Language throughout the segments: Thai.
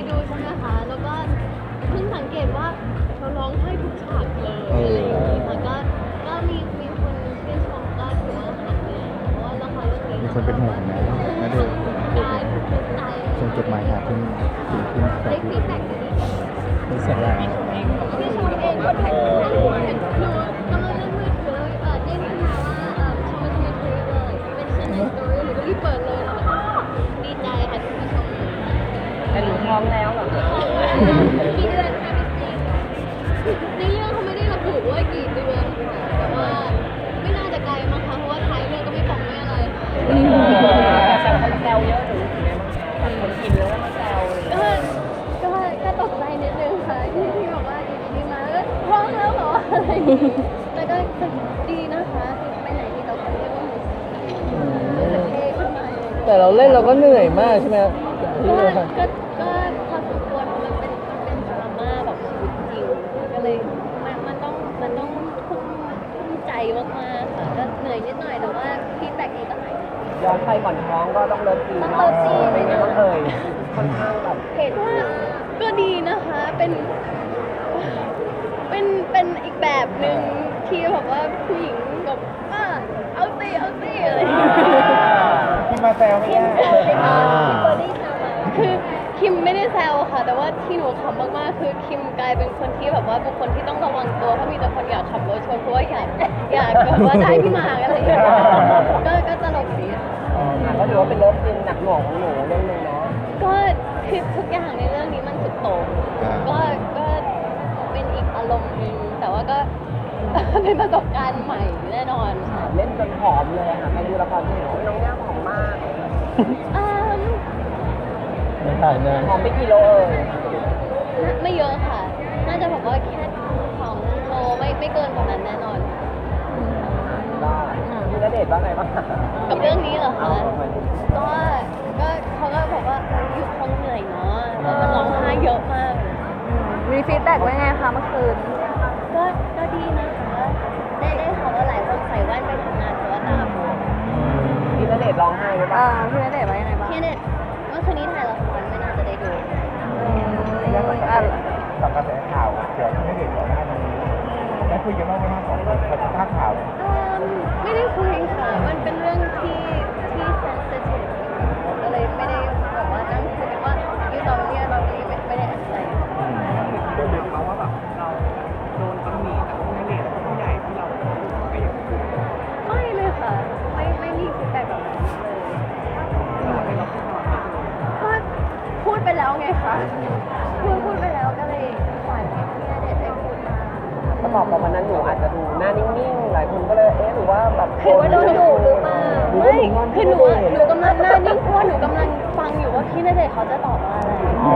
ดูใช่ไหมคะแล้วก็เพิ่งสังเกตว่าเขาร้องไห้ทุกฉากเลยอะไรอย่างนี้ค่ะก็มีคนชื่นชมก็ถือว่าหายเหนื่อยเพราะว่าละครเรื่องนี้มีคนเป็นห่วงนะนะเด็กกายทุกใจส่งจดหมายหาคุณคุณได้ฟีดแบ็กดีเป็นเสียงอะไรพี่ชมเองก็แท็กมาหนูกำลังเล่นมือถือแล้วเด้งขึ้นมาว่าชมมาทำไมคุยเลยเป็นเช่นในสตอรี่หนูก็รีบเปิดเลยแล้วก็ดีใจค่ะที่พี่ชมแต่หนูท้องแล้วเหรอกี่เดือนคะพี่ซีในเรื่องเขาไม่ได้ระบุว่ากี่เดือนค่ะแต่ว่าไม่น่าจะไกลมั้งคะเพราะว่าท้ายเรื่องก็ไม่บอกไม่อะไรค่ะแต่คนแซวเยอะหนูเป็นไงบ้างแบบคนกินแล้วก็มาแซวเลยก็ตกใจนิดนึงค่ะที่บอกว่าอยู่ดีๆมาก็ร้องแล้วเหรออะไรอย่างงี้แต่ก็ดีนะคะไปไหนที่เราคนเรียกว่ารู้สึกเท่ขึ้นมาแต่เราเล่นเราก็เหนื่อยมากใช่ไหมก็พอสมควรมันเป็นดราม่าแบบชีวิตจริงก็เลยมันต้องทุ่มใจมากๆค่ะก็เหนื่อยนิดหน่อยแต่ว่าฟีดแบ็กดีก็หายย้อนไปก่อนท้องก็ต้องเลิฟซีนต้องเนาะเลิฟซีนเป็นไงบ้างเอ่ยค่อนข้างแบบเห็นว่าก็ดีนะคะเป็นอีกแบบหนึ่งที่แบบว่าผู้หญิงแบบเอาสิอะไรอย่างเงี้ยที่มาแซวไม่คิมได้แซวไหมคะคิมเบอร์รี่แซวมาคือคิมไม่ได้แซวค่ะ แต่ว่าที่หนูขำมากๆคือคิมกลายเป็นคนที่แบบว่าบุคคลที่ต้องระวังตัวเพราะมีแต่คนอยากขับรถชนเพราะว่าอยากแบบว่าได้พี่หมากอะไรอย่างเงี้ยก็ตลกดีค่ะก็ถือว่าเป็นเลิฟซีนหนักหน่วงของหนูเรื่องนึงเนาะก็คือทุกอย่างในเรื่องนี้มันสุดโต่งก็เป็นอีกอารมณ์หนึงแต่ว่าก็ เป็นประสบการณ์ใหม่แน่นอนค่ะเล่นจนผอมเลยค่ะใครดูละครที่เห็นว่าน้องย่าผอมมากอืมไม่ถ่ายนานผอมไปกี่โลเอ่ยไม่เยอะค่ะ น่าจะแบบว่าแค่2 โลไม่เกินกว่านั้นแน่นอนได้มีณเดชน์ว่าไงบ้างกับเรื่องนี้เหรอคะก็เขาก็บอกว่าอยู่คงเหนื่อยเนาะแล้วมันร้องไห้เยอะมากมีฟีดแบ็กไว้ไงคะเมื่อคืนก็ดีนะคะได้ข่าวว่าหลายคนใส่แว่นไปทำงานเพราะว่าตาบวมมีณเดชน์ร้องไห้หรือเปล่าพี่ณเดชน์ไว้ยังไงบ้างพี่เน็ตเมื่อคืนนี้ถ่ายละครไม่น่าจะได้ดูกับกระแสข่าวเกี่ยวกับไม่เด็กก่อนหน้านี้ได้คุยกันบ้างไหมครับของกับภาพข่าวไม่ได้คุยค่ะ มันเป็นเรื่องที่เซนซิทีฟก็เลยไม่ได้แบบว่านั่งคุยกันว่าอยู่ตอนนี้เราไม่ได้อะไรดูเหมือนเขาว่าแบบเราโดนตำหนิจากณเดชน์ผู้ใหญ่ที่เราไปอย่างนี้ไม่เลยค่ะ ไม่มีฟีดแบ็กแบบนั้นเลยก็พูดไปแล้วไงคะพูดไปแล้วก็เลยปล่อยให้พี่ณเดชน์ได้พูดมาประกอบกับวันนั้นหนูอาจจะดูหน้านิ่งๆ หลายคนก็เลยหรือว่าแบบคือว่าโดนดุหรือเปล่าไม่คือหนูกำลังหน้านิ่งเพราะว่าหนูกำลังฟังอยู่ว่าพี่ณเดชน์เขาจะตอบว่าอะไร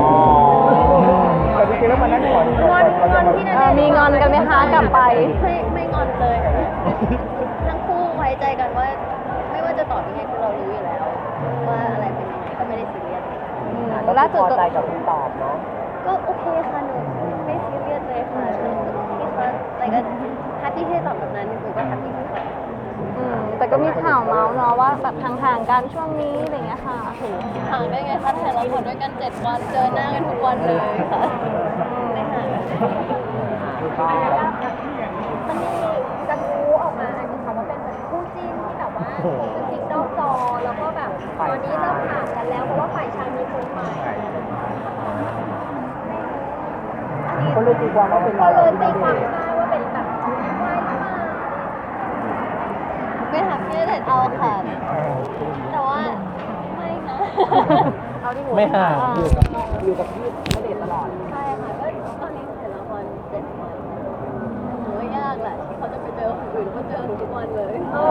แต่จริงๆแล้วมันนั่นก่อนงอนพี่ณเดชน์มีงอนกันไหมคะกลับไปไม่งอนเลยทั้งคู่ไว้ใจกันว่า ไม่ว่าจะตอบยังไงคือเรารู้อยู่แล้ว ว่าอะไรเป็นยังไงก็ไม่ได้ซีเรียสก็ล่าสุดพอใจกับคำตอบเนาะก็โอเคค่ะหนูไม่ซีเรียสเลยค่ะพี่เขาอะไรก็แฮปปี้ที่ได้ตอบแบบนั้นหนูก็แฮปปี้ที่ตอบแต่ก็มีข่าวเมาส์เนาะว่าแบบห่างๆกันช่วงนี้อะไรอย่างเงี้ยค่ะห่างได้ไงคะถ่ายละครด้วยกัน7 วันเจอหน้ากันทุกวันเลยค่ะไม่ห่างมันมีกระทู้ออกมาอันนี้ค่ะว่าเป็นเหมือนคู่จิ้นที่แบบว่าคบกันจริงนอกจอแล้วก็แบบตอนนี้เริ่มห่างกันแล้วเพราะว่าฝ่ายชายมีคนใหม่คนเลยตีความว่าเป็นก็เราเลยตีความได้ว่าเป็นแบบว่ายมาไม่ถามพี่ณเดชน์เอาค่ะ แต่ว่าไม่นะเอาที่หัวไม่ห่างอยู่กับพี่ณเดชน์ตลอดใช่ค่ะก็ตอนนี้ถ่ายละคร7 วันหนูว่ายากแหละที่เขาจะไปเจอคนอื่นก็เจอหนูทุกวันเลย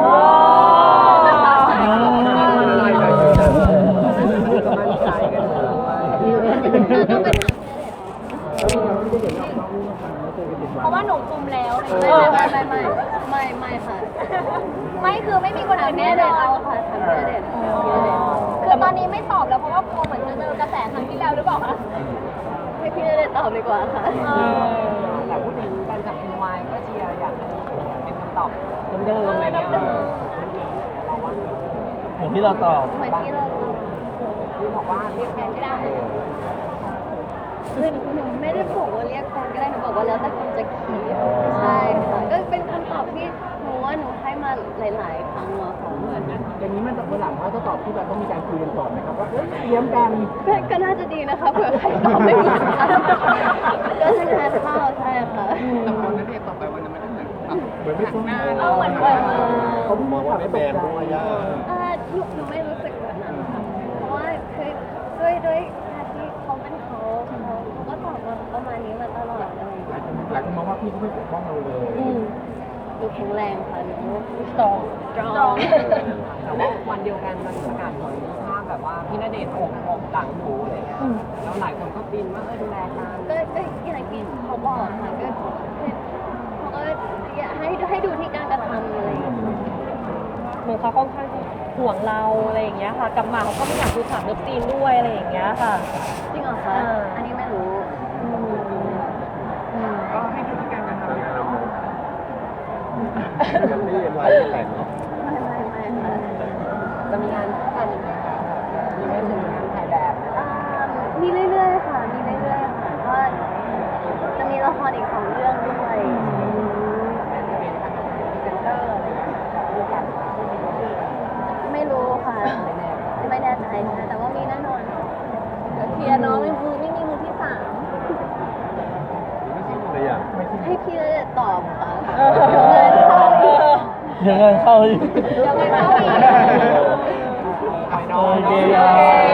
มั่นใจกันเลยต้องไปถามเพราะว่าหนูคุมแล้วไม่ค่ะไม่คือไม่มีคนอื่นแน่แน่เด็นดอเอานค่ะทำแน่เด็ดคือตอนนี้ไม่ตอบแล้วเพราะว่ากลัวเหมือนจะเจอกระแสครั้งที่แล้วหรือเปล่าคะให้พี่ณเดชน์ตอบดีกว่าค่ะแต่พูดถึงการจับคุณวายก็เชียร์อยากเป็นคำตอบเดิมๆอะไรเงี้ยอย่างที่เราตอบเหมือนที่เราที่บอกว่าเรียกแฟนไม่ได้คือหนูไม่ได้บอกว่าเรียกแฟนก็ได้หนูบอกว่าแล้วแต่คนจะคิดใช่ค่ะก็เป็นคำตอบที่หนูว่าหนูให้มาหลายๆครั้งอะค่ะเหมือนอย่างนี้มันจะวันหลังว่าจะตอบที่แบบต้องมีการคุยกันก่อนไหมครับว่าเตรียมกันก็น่าจะดีนะคะเผื่อใครตอบไม่เหมือนกันก็จะแทนข้าวใช่ค่ะแต่ตอนนั้นเนี่ยต่อไปวันนั้นมันเหมือนเหมือนไม่ต้องหน้าเอาเหมือนแบบเขามองว่าไม่แบนด้วยย่าหนูไม่รู้สึกแบบนั้นค่ะเพราะว่าคือด้วยการที่เขาเป็นเขาก็ตอบมาประมาณนี้มาตลอดเลยหลายคนมองว่าพี่เขาไม่ปกป้องเราเลยดูแข็งแรงค่ะดูสตรองแต่ว่าวันเดียวกันมันประกาศผลภาพแบบว่าพี่ณเดชน์อกหลังหนูอะไรเงี้ยแล้วหลายคนก็บินว่าดูแลกันก็อย่างที่เขาบอกค่ะก็คือเขาก็อยากให้ดูที่การกระทำอะไรอย่างเงี้ยเหมือนเขาค่อนข้างห่วงเราอะไรอย่างเงี้ยค่ะกับหมาเขาก็ไม่อยากดูฉากเลิฟซีนด้วยอะไรอย่างเงี้ยค่ะจริงเหรอคะอันนี้ไม่รู้ก็ให้ดูที่การกระทำของเราไม่ได้ลายแต่งเนาะไม่ค่ะจะมีงานคู่กันอีกไหมคะมีไม่ถึงงานถ่ายแบบมีเรื่อยๆค่ะมีเรื่อยๆค่ะก็จะมีละครอีก2 เรื่องด้วยไม่รู้ค่ะไม่แน่ใจค่ะแต่ว่ามีแน่นอนเคลียร์น้องไม่มีมือที่3 เลยอ่ะไม่ใช่ให้พี่เลยตอบค่ะเดี๋ยวงานเข้าอีกยังไงเข้าอีกเดี๋ยวงานเข้าอีกไปน้องโอเค